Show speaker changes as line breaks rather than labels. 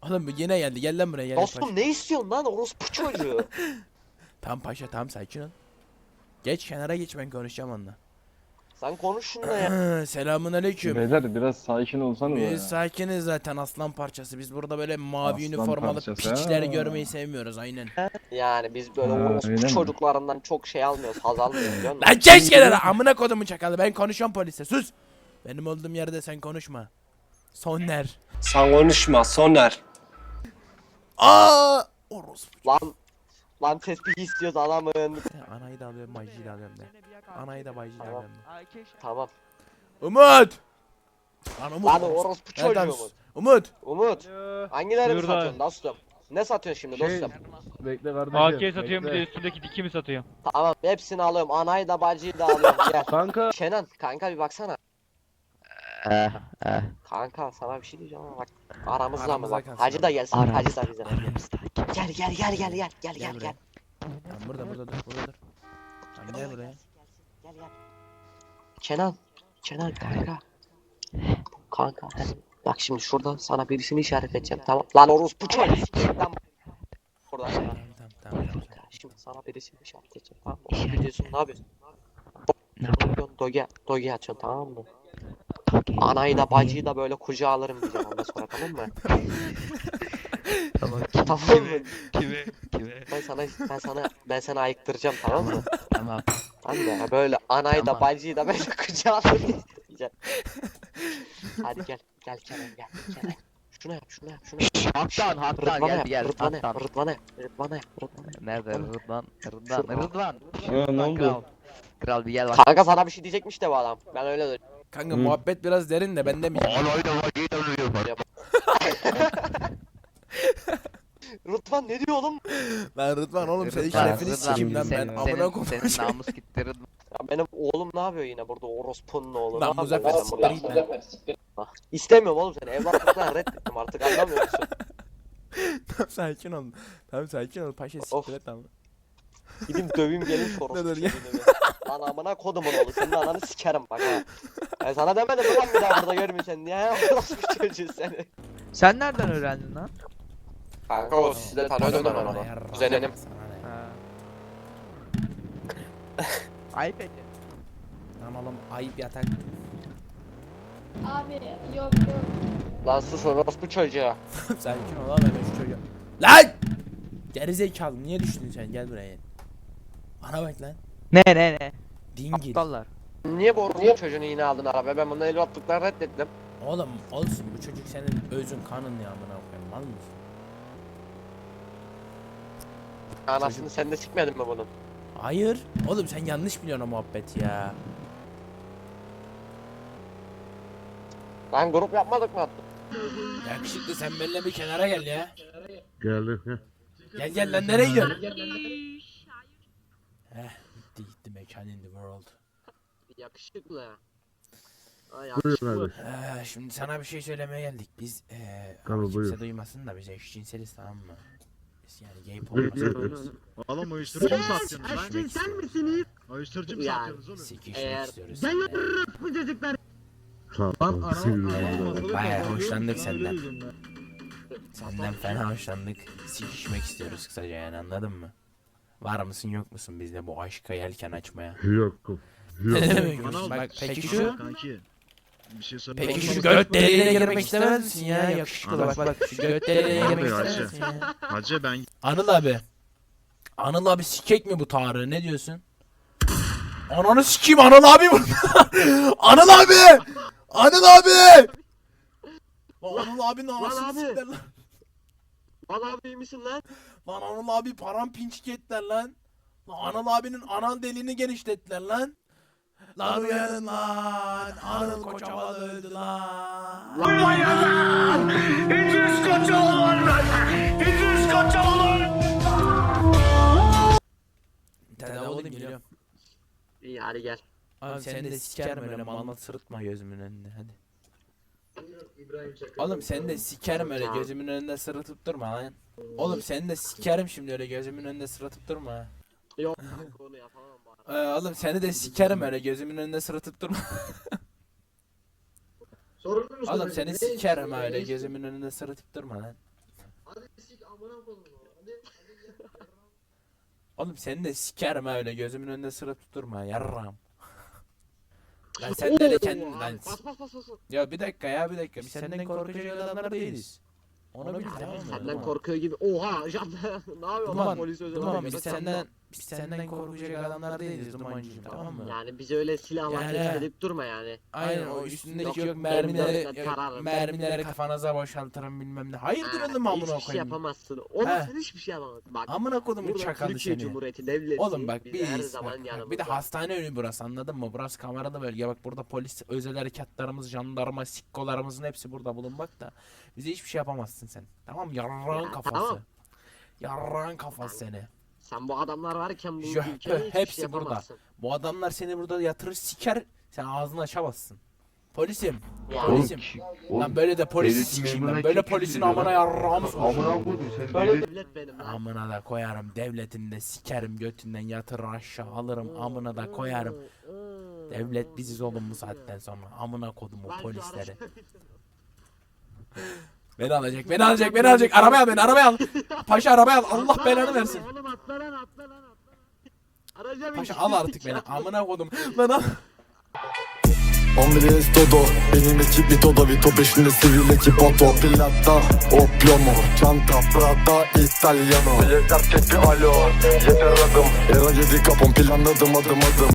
Oğlum bu yine geldi. Gel lan buraya gel.
Dostum ne istiyorsun lan orospu çocuğu?
Tamam paşa tamam sakin ol. Geç kenara geç ben konuşacağım onunla.
Sen konuş şununla ya.
Selamun aleyküm.
Beyler biraz sakin olsanız
Biz
ya.
sakiniz zaten aslan parçası. Biz burada böyle mavi
Aslan
üniformalı
parçası,
piçleri
ha.
görmeyi sevmiyoruz aynen.
Yani biz böyle
Ha,
orospu
öyle mi?
çocuklarından çok şey almıyoruz, haz almıyoruz biliyor musun?
Lan geç kenara amına kodumu çakalı ben konuşuyorum polise sus. Benim olduğum yerde sen konuşma. Soner.
Sen konuşma Soner.
Aa! Orospu.
Lan tespih istiyoruz adamın.
Anayı da alıyorum, bacıyı da alıyorum de. Anayı da bacıyı da
Tamam.
alıyorum de.
Tamam.
Umut! Lan Umut.
Lan orospu
Nereden
çocuğu
sus?
Umut.
Umut!
Umut. Hangilerini
Buyur
satıyorsun dostum? Ne satıyorsun şimdi dostum?
Bekle kardeşim.
AK satıyorum bir de üstündeki diki mi satıyorum?
Tamam hepsini alıyorum. Anayı da bacıyı da alıyorum. Gel.
Kanka.
Kenan kanka bir baksana. Kanka sana bir şey diyeceğim ama bak aramızda mı
Aramızda
bak.
kalsın
Hacı da gelsin.
Aramızda.
Hacı da bize. Gel
buraya. Tamam burada dur. Tamam gel buraya.
Gel. Kenan kanka. Kanka bak şimdi şurada sana birisini işaret edeceğim tamam. Lan orospu çocuğu. Lan buradan sana.
Tamam.
Kanka şimdi sana birisini işaret edeceğim tamam mı? Onu biliyorsun ne yapıyorsun?
Ne yapıyorum?
Doge açıyorsun tamam mı? Anayı da bacıyı da böyle kucağa alırım diyeceğim ondan sonra tamam mı?
Tamam.
Tamam mı?
Kime?
Ben sana ayıktıracağım tamam mı?
Tamam.
Tamam mı? Böyle anayı da
Tamam.
bacıyı da böyle kucağa alırım diyeceğim. Hadi gel Kenan. Şunu yap.
Haktan gel.
Rıdvan'a yap.
Nerede Rıdvan?
Şurada.
Rıdvan.
Ne oldu?
Kral bir gel bak.
Kanka sana bir şey diyecekmiş de bu adam. Ben öyle diyorum.
Kanka muhabbet biraz derin de ben demeyeceğim.
Rıdvan ne diyor oğlum?
Lan Rıdvan oğlum senin
Rıdvan,
şerefini
Rıdvan,
sikeyim lan ben. Amına koyayım.
Senin namus gitti Rıdvan.
Ya benim oğlum ne yapıyor yine burada orospunun oğlu?
Lan
Ne
Muzaffer
yapıyor
siktir
burada?
git lan.
İstemiyorum oğlum seni. Evlatlıktan reddettim artık anlamıyor musun?
Tamam sakin ol. Paşa
Of.
siktir et tamam.
Gideyim döveyim gelin şu orospu
Dur, gel.
çocuğunu bir. Lan amına kodumun oğlu senin ananı sikerim bak ha. Ben sana demedim mi lan bir daha burada görmeyeceksin diye orospu çocuğu seni.
Sen nereden öğrendin lan?
Kanka o sizi de tanıyordum ben onu. Kuzenim.
Ayıp et.
Lan oğlum ayıp yatak.
Abi yok.
Lan sus orospu çocuğu.
Sakin ol lan ben şu çocuğa. Lan! Gerizekalı niye düştün sen gel buraya. Bana bak lan.
Ne?
Dingil.
Aptallar.
Niye bu orospu çocuğunu yine aldın arabaya? Ben bunu evlatlıktan reddettim.
Oğlum olsun bu çocuk senin özün kanın ya amına koyayım mal mısın?
Anasını sen de sikmedin mi bunun?
Hayır. Oğlum sen yanlış biliyorsun o muhabbeti ya.
Lan grup yapmadık mı?
Yakışıklı sen benimle bir kenara gel ya.
Geldim.
Gel lan nereye gidiyorsun? Gitti mekan in the world.
Yakışıklı. Ay
Buyur abi.
Şimdi sana bir şey söylemeye geldik. Biz
Tamam,
ama kimse
buyur.
duymasın da biz eşcinseliz tamam mı? Biz yani gay
Buyur,
porno
buyur.
seviyoruz.
Oğlum uyuşturucu mu
Sikişmek
satıyorsunuz lan?
istiyoruz.
Uyuşturucu mu
Yani.
satıyorsunuz oğlum?
Sikişmek
Eğer-
istiyoruz.
Tamam.
Bayağı hoşlandık senden. Senden fena hoşlandık. Sikişmek istiyoruz kısaca yani anladın mı? Var mısın yok musun bizde bu aşka yelken açmaya?
Yok.
Ne demek?
Bana
Bak peki şu
Kanki. Bir şey söyle.
Peki şu göt deliğine girmek istemez misin ya? Yakışıklı bak şu göt deliğine girmek istemez misin ya?
Hacı ben
Anıl abi sikek mi bu Tarık'ı ne diyorsun? Ananı sikeyim Anıl abi bu. Anıl abi! Anıl abi! Lan Anıl abinin anasını
abi.
sikler lan.
Lan abi iyi misin lan?
Lan Anıl abi paramparçık ettiler lan. Lan Anıl abinin anal deliğini genişlettiler lan. Lan uyanın lan. Anıl Koçovalı öldü lan. Tedavi olayım geliyorum.
İyi hadi gel.
Abi seni de sikerim öyle mal sırıtma gözümün önünde hadi. Oğlum seni de sikerim öyle gözümün önünde sırıtıp durma lan. Oğlum seni de sikerim şimdi öyle gözümün önünde sırıtıp durma ha.
Yok kanka onu yapamam bari.
Oğlum seni de sikerim öyle gözümün önünde sırıtıp durma. Oğlum seni sikerim öyle gözümün önünde sırıtıp durma lan. Oğlum seni de sikerim ha öyle gözümün önünde sıra tutturma yarram. Lan sen de kendin lan.
Bas bas bas bas.
Ya bir dakika ya bir dakika. Biz senden korkacak adamlar değiliz. Onu bil tamam mı?
Senden korkuyor gibi. Oha Can. Ne yapıyorsun lan
Duman,
polis özel
Duman
olarak?
biz senden korkacak adamlar değiliz Dumancığım tamam mı?
Yani bize öyle silahlar
Yani-
gösterip durma yani.
Aynen o üstündeki
Yok,
yok
M4'le
mermileri
tararım.
mermileri kafanıza boşaltırım bilmem ne. Hayırdır oğlum amına
Hiçbir şey
koyayım.
yapamazsın. Oğlum
He.
sen hiçbir şey yapamazsın. Bak.
Amına kodumun
Burada
çakalı
Türkiye
seni.
Cumhuriyeti devleti.
Oğlum bak
biz her
biz
zaman
bak,
yanımızda.
bir de hastane önü burası anladın mı? Burası kameralı bölge bak burada polis özel harekatlarımız, jandarma, sikkolarımızın hepsi burada bulunmak da bize hiçbir şey yapamazsın sen. Tamam yarrağın
Ya,
kafası.
tamam.
Yarrağın kafası seni.
Sen bu adamlar varken bu
Jöh,
ülkede hiçbir
hepsi
şey
burada.
yapamazsın.
Bu adamlar seni burada yatırır siker sen ağzını açamazsın. Polisim.
Ya.
Polisim. Lan böyle de polisi
devlet
sikeyim
memuruna
ben. Böyle
kim
polisin
küfür ediyor
amına
lan?
yarrağımı sokayım.
Amına koydum sen
Böyle
devlet.
devlet benim lan.
Amına da koyarım devletini de sikerim götünden yatırır aşağı alırım amına da koyarım. Devlet biziz oğlum bu saatten sonra. Amına kodumu
Lan şu
polisleri.
araç-
Beni alacak, beni alacak, beni alacak. Arabaya al beni, arabaya al. Paşa arabaya al. Allah
Atla
belanı
lan,
versin.
Oğlum atla lan atla lan atla. Araca bin.
Paşa al artık beni. Amına kodum. Lan al.
Andres Dodo, benim ekip Vitodo Vito peşinde sivil ekip Otto Pilatta, Oplomo, Çanta, Prada, Italiano Yeter tek bir alo, yeter adım Era 7 kapım planladım adım adım